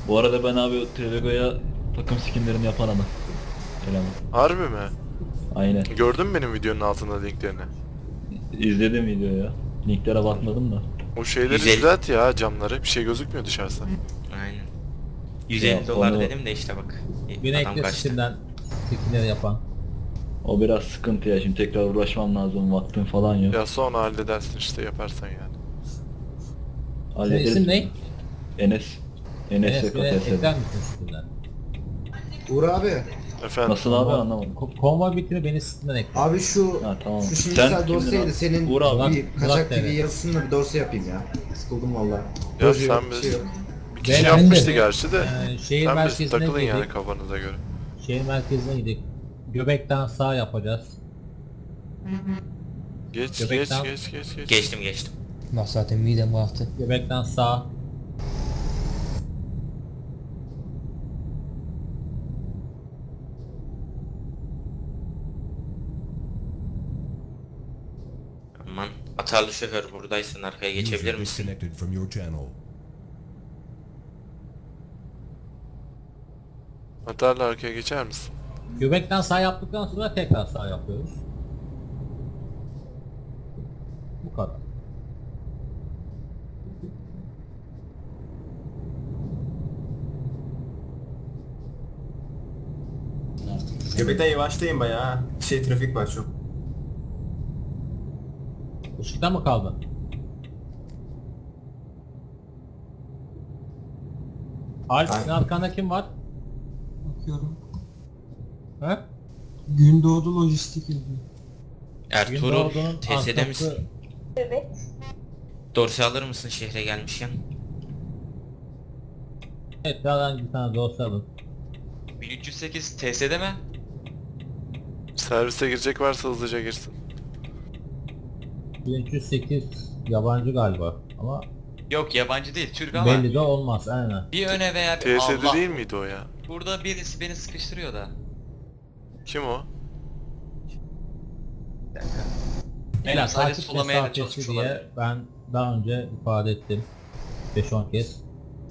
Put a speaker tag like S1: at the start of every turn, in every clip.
S1: Bu arada ben abi Trevego'ya takım skinlerini yapan adam. Eleman.
S2: Harbi mi?
S1: Aynen.
S2: Gördün mü benim videonun altında linklerini?
S1: İzledim videoyu ya. Linklere bakmadım da.
S2: O şeyleri
S3: 150.
S2: düzelt ya, camları. Bir şey gözükmüyor dışarısı.
S3: Aynen. 150
S1: Ya
S3: dolar
S1: onu-
S3: dedim de işte bak.
S4: Yine
S3: Adam
S4: ekle
S3: kaçtı.
S4: Steam'den skinleri yapan.
S1: O biraz sıkıntı ya, şimdi tekrar uğraşmam lazım, vaktim falan yok.
S2: Ya sonra halledersin işte, yaparsan yani.
S4: Senin
S1: Hallederiz.
S4: isim ne?
S1: Enes. Enes
S4: Enes bile
S1: YKTS.
S4: ekler misin Steam'den?
S5: Uğur abi.
S2: Efendim.
S1: Nasıl abi, anlamadım.
S4: Konvoy bitimi beni Steam'den ekle.
S5: Abi şu
S1: Ha tamam.
S5: şu
S1: Sen
S5: şimdisel
S1: kimdin
S5: dosyaydı
S1: abi?
S5: senin
S1: Uğur abi.
S5: bir
S4: Burak
S5: kaçak TV
S4: TV.
S5: yazısında bir dosya yapayım ya. Sıkıldım valla.
S2: Ya
S5: Proje
S2: sen
S5: yok, bir
S2: biz-
S5: şey yok.
S2: Bir kişi
S4: Ben-
S2: yapmıştı
S4: ben de-
S2: gerçi de.
S4: Şehir
S2: Sen biz
S4: merkezine
S2: takılın yani
S4: girdik.
S2: kafanıza göre.
S4: Şehir merkezine gidip Göbekten sağ yapacağız.
S2: Geç
S4: Göbekten-
S2: geç.
S3: Geçtim.
S6: Bak zaten midem kalktı.
S4: Göbekten sağ.
S3: Aman. Atarlı şoför buradaysan arkaya geçebilir
S7: User
S3: misin?
S7: disconnected from your channel.
S2: Atarla arkaya geçer misin?
S4: Göbekten sağ yaptıktan sonra tekrar sağ yapıyoruz. Bu kadar.
S8: Göbekten yavaşlayın bayağı. Ha. Trafik var çok.
S4: Işıkta mı kaldı? Alp,
S8: Aynen.
S4: senin arkanda kim var?
S9: Bakıyorum.
S4: He?
S9: Gündoğdu Lojistik yazıyor.
S3: Ertuğrul
S4: Gündoğdu'nun
S3: TS'de
S4: arkası-
S3: misin? Dorsi alır mısın şehre gelmişken?
S4: Evet, daha bir tane dosya alın.
S10: 1308 TS'de mi?
S2: Servise girecek varsa hızlıca girsin.
S4: 1308 yabancı galiba ama
S10: Yok, yabancı değil, Türk ama
S4: belli de olmaz aynen.
S10: bir öne veya bir
S2: TS'de
S10: Allah.
S2: değil miydi o ya?
S10: Burada birisi beni sıkıştırıyor da.
S2: Kim o?
S4: Beyler
S10: sadece
S4: takip
S10: solamaya da
S4: mesafesi
S10: çalışmış
S4: diye
S10: olabilir.
S4: ben daha önce ifade ettim 5-10 kez.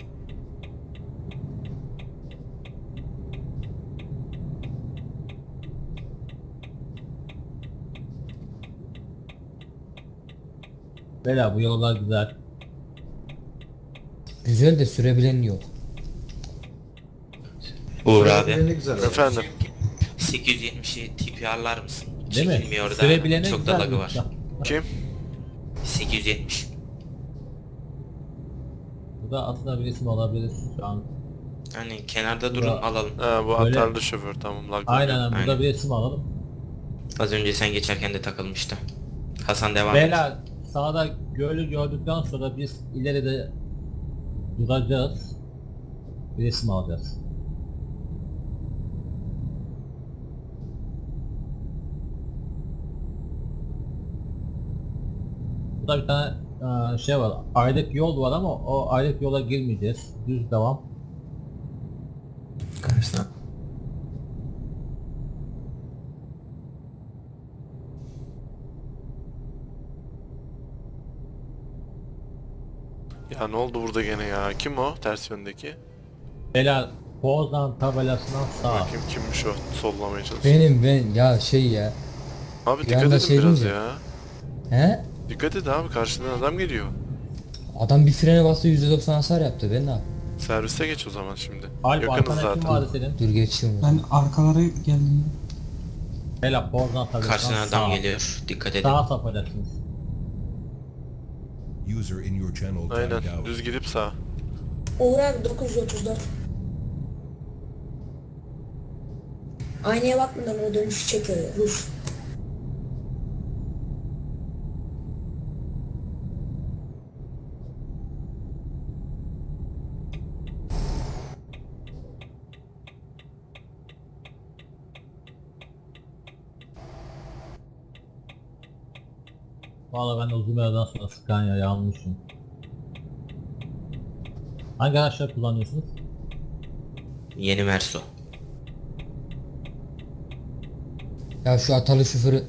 S4: Beyler bu yollar güzel.
S6: Güzel de sürebilen yok.
S3: Uğur
S5: Projeleri
S3: abi.
S5: ne güzel.
S2: Efendim.
S3: 870'i TPR'lar mısın?
S4: Değil mi?
S3: Çekilmiyor da
S4: Sürebilene
S3: çok da
S4: güzel
S3: lagı var.
S4: yoksa.
S2: Kim?
S3: 870.
S4: Bu da aslında bir isim olabilir şu an.
S3: Hani kenarda durun
S4: Ya.
S3: alalım.
S2: Ha, bu
S4: Öyle.
S2: atarlı şoför, tamam, lag.
S4: Aynen burada
S3: Aynen.
S4: bir isim alalım.
S3: Az önce sen geçerken de takılmıştı. Hasan devam et.
S4: Beyler sağda gölü gördükten sonra biz ileride duracağız. Bir isim alacağız. Burada bir tane şey var. Ayrık yol var ama o ayrık yola girmeyeceğiz. Düz devam.
S8: Karşıdan.
S2: Ya ne oldu burada gene ya? Kim o ters yöndeki?
S4: Beyler Poznan tabelasından sağ.
S2: Bakayım kimmiş o, sollamaya çalışıyor.
S6: Ben ya şey ya.
S2: Abi
S6: bir
S2: dikkat
S6: anda
S2: edin
S6: şey
S2: biraz
S6: deyince-
S2: ya.
S6: He?
S2: Dikkat et abi, karşıdan adam geliyor.
S6: Adam bir frene bastı %90 hasar yaptı, ben ne yapayım?
S2: Servise geç o zaman şimdi.
S4: Alp
S2: Yakınız
S4: arkana kim
S2: zaten.
S4: vardı senin?
S6: Dur geçiyorum.
S9: Ben arkalara geldim.
S4: Beyler Poznan tabelasından
S3: Karşına
S4: sağ.
S3: adam geliyor. Dikkat edin.
S4: Sağa sapacaksınız.
S7: User in your channel
S2: Aynen,
S7: timed out.
S2: düz gidip sağ.
S11: Uğur abi 934. Aynaya bakmadan o dönüşü çekiyor Rus.
S4: Valla ben de uzun bir aradan sonra Scania'yı almışım. Hangi araçları kullanıyorsunuz?
S3: Yeni Merso.
S6: Ya şu atalı şoförü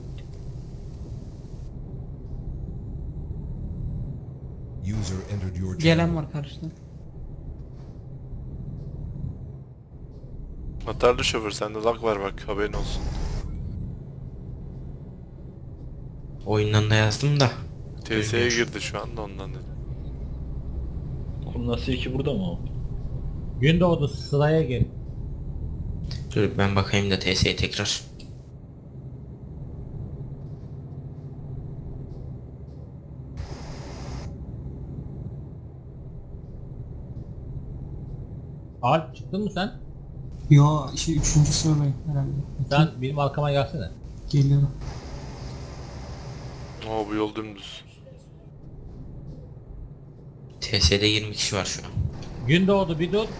S7: User entered your channel.
S9: Gelen var karşıdan.
S2: Atarlı şoför sende lag var bak haberin olsun.
S3: Oyundan da yazdım da.
S2: TS'ye girdi şu anda ondan dedim.
S1: Oğlum nasıl ki burada mı o?
S4: Gündoğdu sıraya gel.
S3: Dur ben bakayım da TS'ye tekrar.
S4: Alp çıktın mı sen?
S9: Yo şey 3. sıradayım herhalde.
S4: Sen benim arkama gelsene.
S9: Geliyorum.
S2: Oo bu yol dümdüz.
S3: TS'de 20 kişi var şu an.
S4: Gündoğdu bir dur.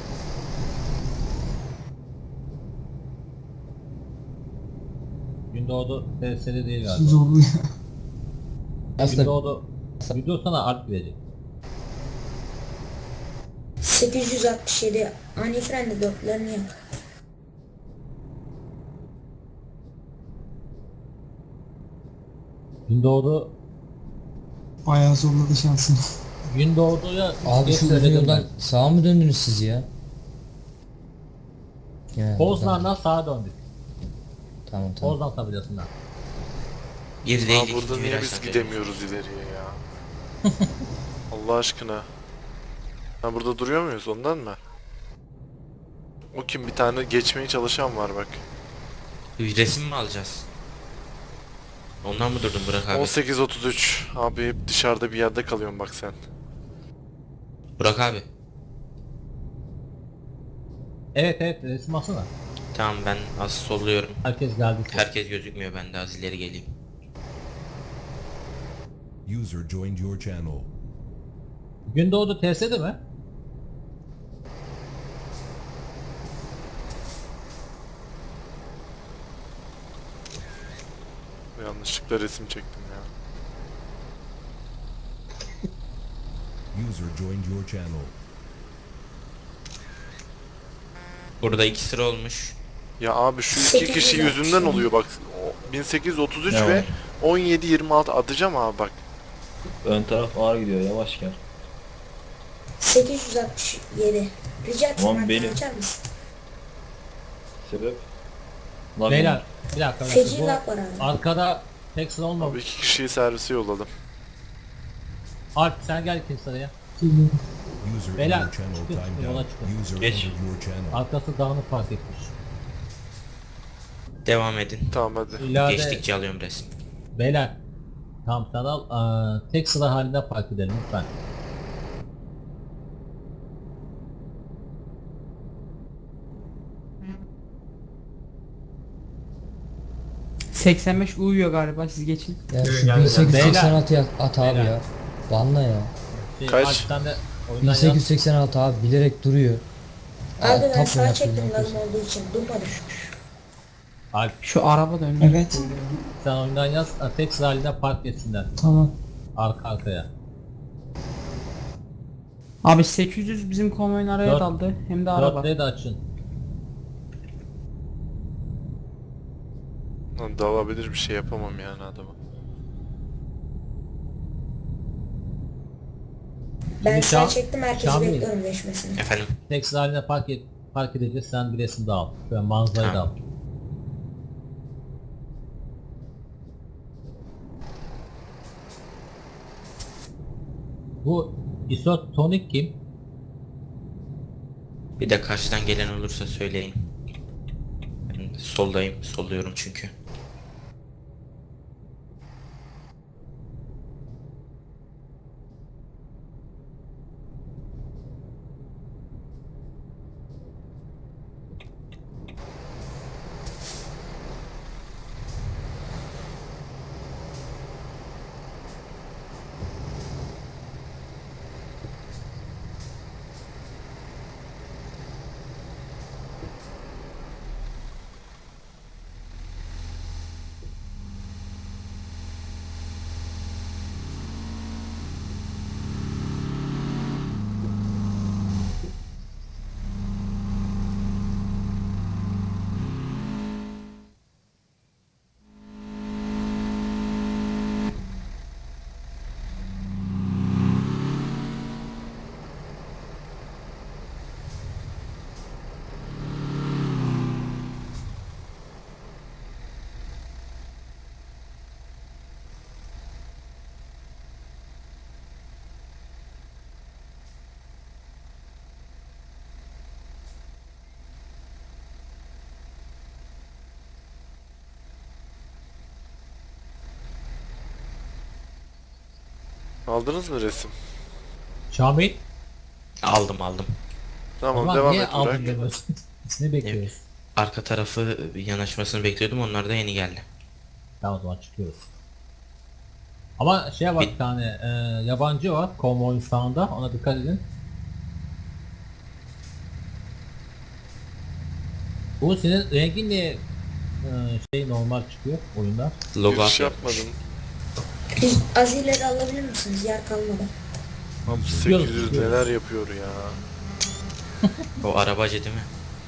S4: Gündoğdu TS'de değil galiba.
S9: Zorlu ya.
S6: Aslında
S4: Gündoğdu bir dur sana Alp gidecek.
S11: 867 ani frende dörtlerini yak.
S4: Gündoğdu
S9: Bayağı zorladı şansını.
S4: Gündoğdu'ya
S6: abi
S4: geç
S6: şu uzun
S4: söyledim
S6: yoldan
S4: ben.
S6: sağa mı döndünüz siz ya?
S4: Poznan'dan sağa döndük.
S6: Tamam tamam.
S4: Poznan tabelasından.
S3: Bir
S2: Aa
S3: değil
S2: burada
S3: ikinci
S2: niye
S3: virajdan
S2: biz
S3: dönüyoruz.
S2: gidemiyoruz ileriye ya? Allah aşkına. Ha burada duruyor muyuz ondan mı? O kim bir tane geçmeye çalışan var bak.
S3: Bir resim mi alacağız? Ondan mı durdun Burak abi?
S2: 18.33 abi hep dışarıda bir yerde kalıyorsun bak sen.
S3: Burak abi.
S4: Evet evet resim alsana.
S3: Tamam ben az solluyorum.
S4: Herkes geldi.
S3: Herkes gözükmüyor, ben de az ileri geleyim.
S7: User joined your channel.
S4: Gündoğdu TS'de mi?
S2: Yanlışlıkla resim çektim ya.
S7: User joined your channel.
S3: Burada 2 sıra olmuş.
S2: Ya abi şu iki kişi
S11: 860.
S2: yüzünden oluyor bak. 1833
S1: Ne
S2: ve
S1: var?
S2: 1726 atacağım abi bak.
S1: Ön taraf ağır gidiyor, yavaş gel.
S11: 867. Rica etsem
S1: Tamam,
S11: arkadan
S1: benim.
S11: açar mısın?
S1: Sebep? Lag
S4: Beyler
S1: mı?
S4: bir dakika.
S11: Feci
S4: Bu
S11: lag var abi.
S4: arkada tek sıra
S2: Abi
S4: olmamış.
S2: iki kişiyi servise yolladım.
S4: Alp sen gel ikinci sıraya.
S9: Geliyorum.
S7: User in
S4: Beyler,
S7: your channel
S4: çıkın,
S7: timed
S4: yola
S7: out.
S4: çıkın.
S7: User
S1: Geç.
S7: entered your channel.
S4: Arkası dağınık fark etmiş.
S3: Devam edin.
S2: Tamam hadi.
S4: İleride
S3: Geçtikçe alıyorum resim.
S4: beyler. Tamam sen al. Tek sıra halinde park edelim lütfen.
S9: ...85 uyuyor galiba, siz geçin.
S6: Ya şu
S8: Geldi,
S6: 1886 at abi
S4: Beyler.
S6: ya. Banla ya.
S2: Kaç?
S4: Alp sen de oyundan yaz.
S6: 1886 abi bilerek duruyor.
S11: Abi ben
S6: Tap
S11: sağa
S6: oynatıyor,
S11: çektim
S6: ne
S11: lazım
S6: yapıyorsun?
S11: olduğu için durmadım.
S4: Alp
S9: Şu araba da önüne. Evet.
S4: sen oyundan yaz. Tek sıra halinde park etsinler.
S9: Tamam.
S4: Arka arkaya.
S9: Abi 800 bizim konvoyun araya
S4: Dört-
S9: daldı. Hem de araba.
S4: Dörtleri de açın.
S2: Lan dalabilir bir şey yapamam yani adama.
S11: Ben
S4: Şimdi
S11: sağa
S4: Şam-
S11: çektim herkesi
S4: Şamil.
S11: bekliyorum geçmesini.
S3: Efendim?
S4: Tek sıra halinde park edeceğiz. Sen bir resim daha al. Şöyle manzarayı da al.
S3: Tamam.
S4: Bu isotonik kim?
S3: Bir de karşıdan gelen olursa söyleyin. Ben soldayım, solluyorum çünkü.
S2: Aldınız mı resim?
S4: Şamil.
S3: Aldım.
S2: Tamam
S4: Ulan
S2: devam
S4: niye
S2: et Burak.
S4: aldın demiyorsun? Ne bekliyoruz?
S3: Arka tarafı yanaşmasını bekliyordum. Onlar da yeni geldi.
S4: Tamam o zaman çıkıyoruz. Ama şeye bak bir tane yabancı var konvoyun sağında, ona dikkat edin. Bu senin rengin niye şey normal çıkıyor oyunda?
S3: Logo
S2: Giriş
S3: atıyor.
S2: yapmadım.
S11: Biz az ileri alabilir misiniz? Yer kalmadı.
S2: Abi
S4: Çıkıyoruz,
S2: 800
S4: çıkıyoruz.
S2: neler yapıyor ya.
S3: O arabacı değil mi?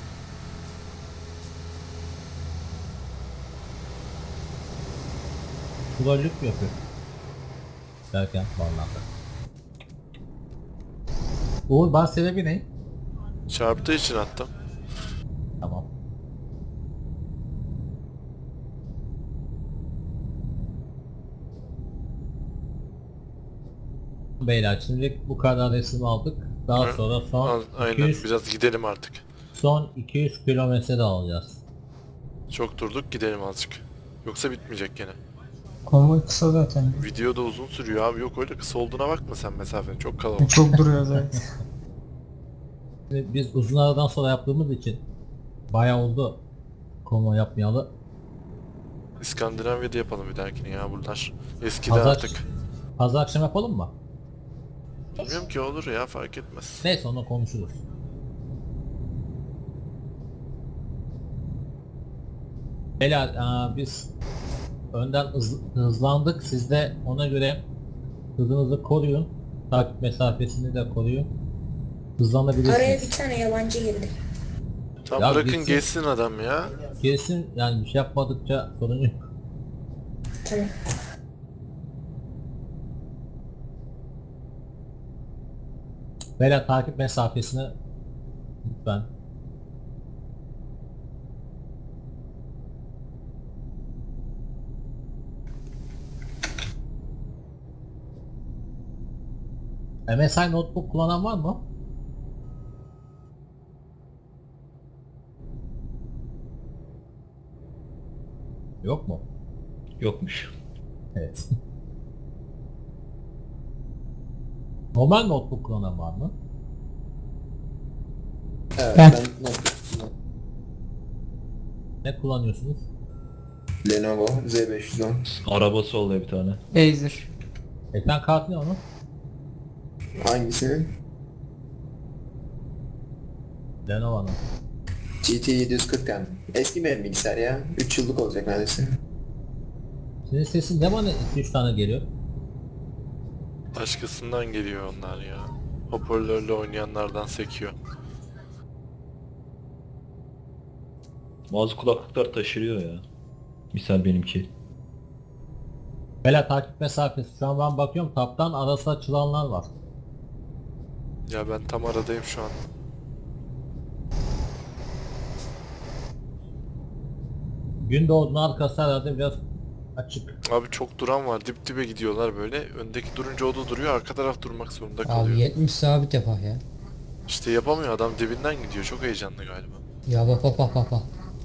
S4: Trollük mü yapıyor? Derken bağlandı. Uğur bana sebebi ne?
S2: Çarptığı için attım.
S4: Tamam. Beyler şimdi bu kadar resim aldık. Daha
S2: Hı.
S4: sonra son
S2: Aynen
S4: 200,
S2: biraz gidelim artık.
S4: son 200 kilometre de alacağız.
S2: Çok durduk gidelim azıcık. Yoksa bitmeyecek gene.
S9: Konvoy kısa zaten.
S2: Video da uzun sürüyor abi, yok öyle kısa olduğuna bakma sen mesafenin, çok kalabalık.
S9: Çok duruyor zaten.
S4: Şimdi biz uzun aradan sonra yaptığımız için bayağı oldu konvoy yapmayalı.
S2: İskandinavya'da yapalım bir dahakine ya, bunlar eskidi
S4: Pazar,
S2: artık.
S4: pazar akşam yapalım mı?
S2: Bilmiyorum ki, olur ya, fark etmez.
S4: Neyse onu konuşuruz. Beyler biz önden hızlandık. Siz de ona göre hızınızı koruyun. Takip mesafesini de koruyun. Hızlanabilirsiniz.
S11: Araya bir tane yabancı girdi.
S2: Tam
S4: Ya
S2: bırakın
S4: gitsin.
S2: geçsin adam ya.
S4: Kesin yani bir şey yapmadıkça sorun yok.
S11: Tamam.
S4: Beyler takip mesafesini lütfen. MSI notebook kullanan var mı? Yok mu?
S1: Yokmuş.
S4: Evet. Normal notebook kullanan var mı?
S5: Evet,
S4: Ne kullanıyorsunuz?
S5: Lenovo Z510.
S1: Arabası oluyor bir tane.
S9: Acer.
S4: Ekran kartı ne onun?
S5: Hangisinin?
S4: Lenovo'nun.
S5: GT 740M. Eski benim bilgisayar ya. 3 yıllık olacak neredeyse.
S4: Senin sesin ne bana 2-3 tane geliyor?
S2: Başkasından geliyor onlar ya. Hoparlörle oynayanlardan sekiyor.
S1: Bazı kulaklıklar taşırıyor ya. Misal benimki.
S4: Beyler takip mesafesi. Şu an ben bakıyorum taptan arası açılanlar var.
S2: Ya ben tam aradayım şu an.
S4: Gündoğdu'nun arkası herhalde biraz açık.
S2: Abi çok duran var, dip dibe gidiyorlar böyle. Öndeki durunca o da duruyor, arka taraf durmak zorunda
S6: Abi
S2: kalıyor.
S6: 70 sabit yapar ya.
S2: İşte yapamıyor adam, dibinden gidiyor, çok heyecanlı galiba.
S6: Ya bak.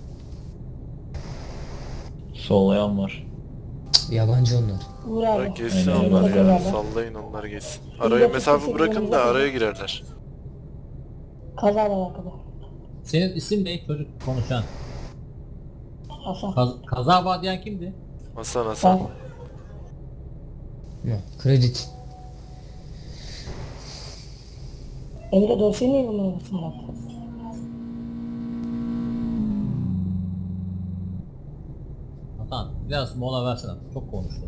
S1: Sollayan var.
S6: Cık, yabancı onlar.
S2: Bırak geçsin
S1: Aynen,
S2: onlar ya,
S1: aynen.
S2: sallayın onlar geçsin. Araya mesafe bırakın da araya girerler.
S4: Senin isim ne çocuk konuşan?
S11: Hasan.
S4: Kaza var diyen kimdi?
S2: Hasan.
S6: Yok, kredi.
S11: Emre dosyayı niye bulmuyorsun?
S4: Hasan biraz mola versene. Çok konuştun.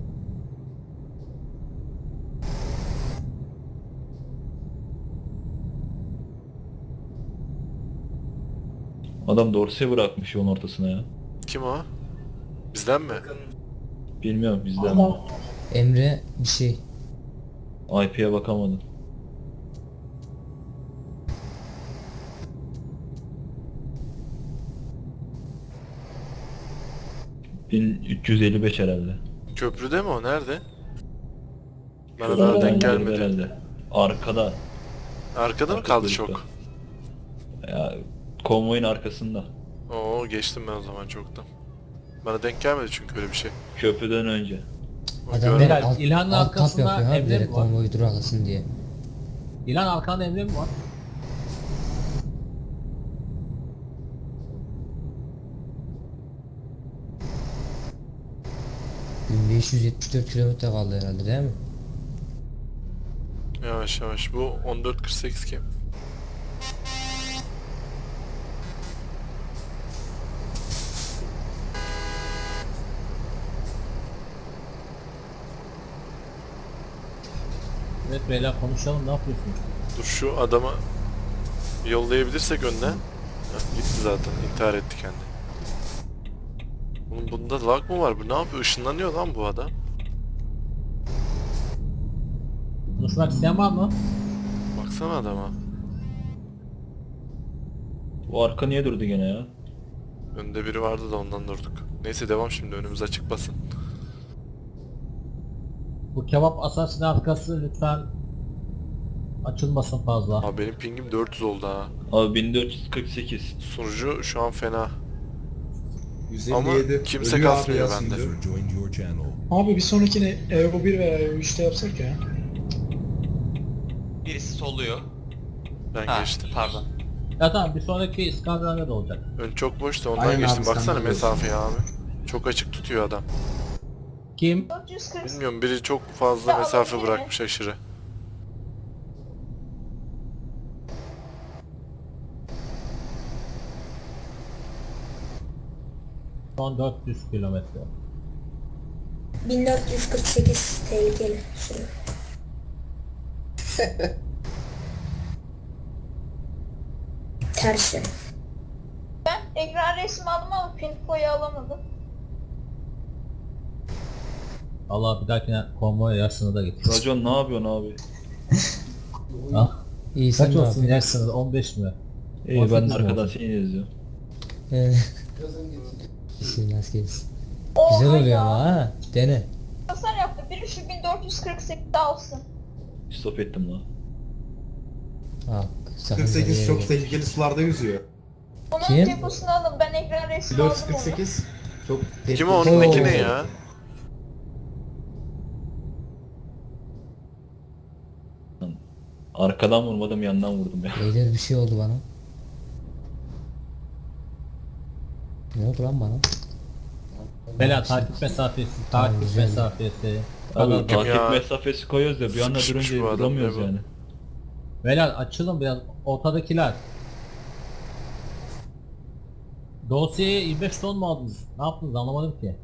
S1: Adam dorsiye bırakmış yolun ortasına ya.
S2: Kim o? Bizden mi?
S1: Bilmiyorum bizden mi?
S6: Emre bir şey.
S1: IP'ye bakamadım. ...1355 herhalde.
S2: Köprüde mi o? Nerede? Bana daha denk gelmedi.
S1: Herhalde. Arkada.
S2: Arkada mı
S1: Arka
S2: kaldı
S1: kuyrukta.
S2: çok?
S1: Ya konvoyun arkasında.
S2: Oo, geçtim ben o zaman çoktan. Bana denk gelmedi çünkü öyle bir şey.
S1: Köprüden önce.
S6: Adam
S2: Görmedim.
S6: alt,
S4: İlhan'ın
S6: alt tap
S4: arkasında
S6: yapıyor ha
S4: Emre
S6: bilerek
S4: mi var?
S6: konvoyu duraklasın diye.
S4: İlhan arkanda Emre mi var?
S6: Gün 574 kilometre kaldı herhalde değil mi?
S2: Yavaş yavaş. Bu 14.48 kim?
S4: Evet beyler konuşalım, ne yapıyorsunuz?
S2: Dur şu adamı yollayabilirsek önden. Heh, gitti zaten. İntihar etti kendi. Bunun bunda lag mı var? Bu ne yapıyor? Işınlanıyor lan bu adam.
S4: Konuşmak isteyen var mı?
S2: Baksana adama.
S1: Bu arka niye durdu gene ya?
S2: Önde biri vardı da ondan durduk. Neyse devam şimdi, önümüz açık basın.
S4: Bu kebap asasinin arkası lütfen açılmasın fazla.
S2: Abi benim pingim 400 oldu ha.
S1: Abi 1448.
S2: Sunucu şu an fena.
S8: 157.
S2: Ama kimse
S8: Ölüyor abi
S2: kasmıyor
S8: ya.
S2: bende.
S7: User joined your channel.
S9: Abi bir sonrakini Evo 1 veya Evo 3'te yapsak ya.
S10: Birisi solluyor.
S2: Ben
S10: Ha,
S2: geçtim.
S10: pardon.
S4: Ya tamam, bir sonraki İskandinavya olacak.
S2: Ön çok boştu, ondan
S8: Aynen
S2: geçtim.
S8: abi,
S2: Baksana
S8: sen de
S2: mesafeye abi. Çok açık tutuyor adam.
S4: Kim?
S2: Bilmiyorum, biri çok fazla mesafe bırakmış aşırı.
S4: Son 400 kilometre.
S11: 1448 tehlikeli süre. Ters yön.
S12: Ekran resmi aldım ama pinfoyu alamadım.
S4: Allah bir dahakine konvoya yaşını da getir.
S1: Racon ne yapıyorsun abi?
S4: Ah,
S6: İyi sen
S4: kaç
S6: ne
S4: olsun
S6: yapıyorsun?
S4: yaş sınırı? 15 mi?
S1: İyi ben
S4: 18
S1: de
S4: mi
S1: arkadan
S4: olsun?
S1: seni izliyorum.
S6: İşin nasıl gelsin.
S12: Oha
S6: Güzel oluyor
S12: ya.
S6: ama ha. Dene.
S12: Hasar yaptı. Biri şu 1448'de alsın.
S1: Stop ettim lan.
S6: Bak sakın nereye
S8: 48 çok
S6: gel.
S8: tehlikeli sularda yüzüyor.
S12: Onun
S6: Kim?
S12: deposunu alın. Ben ekran resmi aldım onu.
S8: 448 çok tehlikeli.
S2: Kim o, onun
S6: Oo.
S2: eki ne ya?
S1: Arkadan vurmadım, yandan vurdum ya.
S6: Beyler bir şey oldu bana. Ne oldu lan bana?
S4: Bela takip mesafesi,
S6: Tamam,
S4: takip
S6: güzel.
S4: mesafesi.
S1: Abi
S4: Kadar
S2: Kim
S1: takip
S2: ya?
S1: mesafesi koyuyoruz da bir anda
S2: Sıkışmış
S1: durunca
S2: bu adam,
S1: vuramıyoruz
S2: ne bu?
S1: yani.
S4: Bela açılın biraz, ortadakiler. Dosyaya 25 ton mu aldınız? Ne yaptınız anlamadım ki.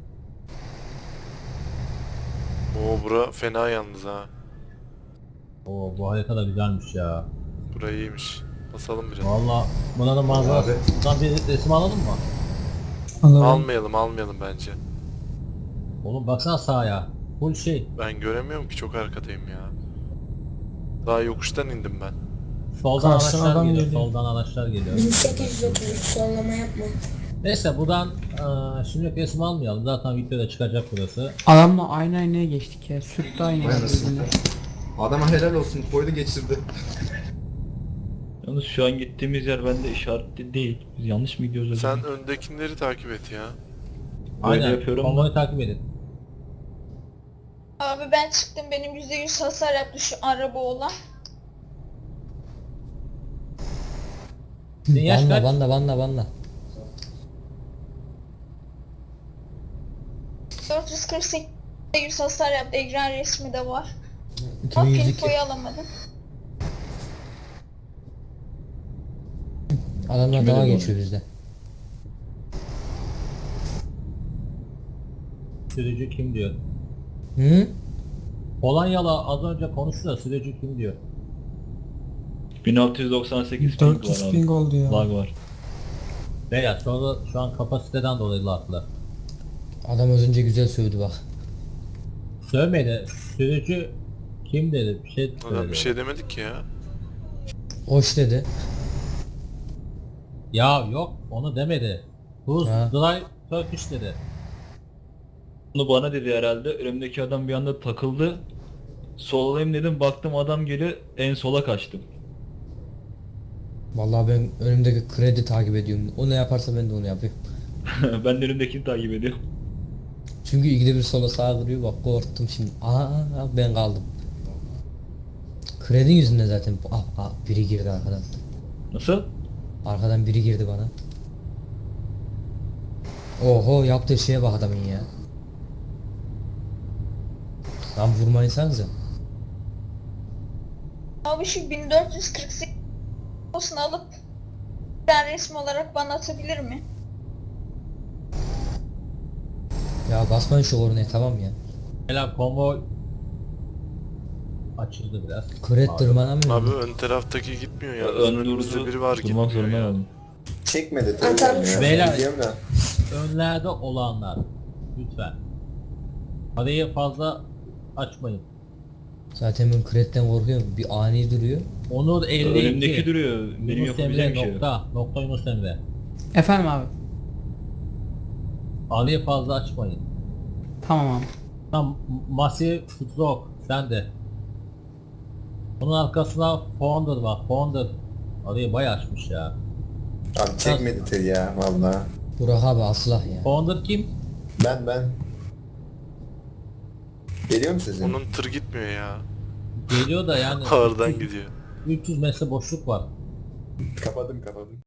S2: Oo, bura fena yalnız ha.
S4: Oo bu harita da güzelmiş ya.
S2: Bura iyiymiş. Basalım biraz.
S4: Valla buna da manzara. Buradan bir resim alalım mı?
S2: Almayalım bence.
S4: Oğlum baksana sağa. Full şey.
S2: Ben göremiyorum ki, çok arkadayım ya. Daha yokuştan indim ben.
S4: Soldan
S9: Karşıdan
S4: araçlar
S9: adam
S4: geliyor.
S9: geliyor.
S4: Soldan araçlar geliyor.
S11: 1833 sollama yapma.
S4: Neyse buradan şimdi resim almayalım. Zaten videoda çıkacak burası.
S9: Adamla aynaya geçtik ya. Sürttü aynayı.
S8: Aynen. Adama helal olsun, koydu geçirdi.
S1: Yalnız şu an gittiğimiz yer bende işaretli değil. Biz yanlış mı gidiyoruz acaba?
S2: Sen öndekileri takip et ya.
S1: Böyle
S4: Aynen.
S1: yapıyorum
S4: Konvoyu takip edin.
S12: Abi ben çıktım. Benim %100 hasar yaptı şu araba olan.
S4: Senin yaş
S6: Banla
S4: kaç?
S6: banla.
S12: 448'de 100 hasar yaptı. Ekran resmi de var. Ama
S6: 2102.
S12: pinfoyu alamadım.
S6: Adamlar
S1: Kime
S6: daha
S1: de bu?
S6: geçiyor bizde.
S4: Sürücü kim diyor.
S6: Hı?
S4: Polonyalı az önce konuştu da sürücü kim diyor.
S1: 1698 ping
S9: 400
S1: var abi.
S9: ping oldu ya.
S1: Lag var.
S4: Beyler sonra şu an kapasiteden dolayı laflı.
S6: Adam az önce güzel sövdü bak.
S4: Sövmedi. Sürücü kim dedi? Bir şey
S2: Adam
S4: söyledi.
S2: bir şey demedik ki ya.
S6: Hoş dedi.
S4: Ya yok onu demedi. Who's
S6: Ha.
S4: drive Turkish dedi.
S1: Bunu bana dedi herhalde. Önümdeki adam bir anda takıldı. Sollayayım dedim, baktım adam geliyor, en sola kaçtım.
S6: Vallahi ben önümdeki kredi takip ediyorum. O ne yaparsa ben de onu yapıyorum.
S1: Ben de önümdekini takip ediyorum.
S6: Çünkü ikide bir sola sağa kırıyor, bak korktum şimdi. Ben kaldım. Kredi yüzünden zaten. Biri girdi arkadan.
S1: Nasıl?
S6: Arkadan biri girdi bana. Oho, yaptığı şeye bak adamın ya. Lan vurmayınsanıza.
S12: Abi şu 1448 posunu alıp ben resim olarak bana atabilir mi?
S6: Ya basmayın şu kornaya, tamam ya.
S4: Beyler konvoy açıldı biraz.
S6: Kret tırmanamıyor.
S2: Abi ön taraftaki gitmiyor ya.
S1: Ön
S2: Önümüzde
S1: durdu.
S2: biri var
S1: Durmak
S2: gitmiyor
S1: zorunda
S2: ya.
S1: kaldım.
S5: Çekmedi tabii.
S11: Atarım.
S5: ya.
S4: Beyler.
S5: Biliyorum da.
S4: Önlerde olanlar lütfen. Arayı fazla açmayın.
S6: Zaten ben kretten korkuyorum. Bir ani duruyor.
S4: Onur 52.
S1: Önümdeki duruyor. Benim
S4: Yunus
S1: yapabileceğim
S4: Emre
S1: bir şey yok.
S4: nokta Yunus Emre.
S9: Efendim abi.
S4: Arayı fazla açmayın.
S9: Tamam abi.
S4: Tam Massive Stroke sen de. Onun arkasına Founder var. Founder arayı bayağı açmış ya.
S5: Abi çekmedi tır ya valla.
S6: Burak abi aslah ya.
S4: Founder kim?
S5: Ben. Geliyor mu sesin?
S2: Onun tır gitmiyor ya.
S4: Geliyor da yani
S2: Ağırdan gidiyor.
S4: 300 metre boşluk var.
S5: Kapadım.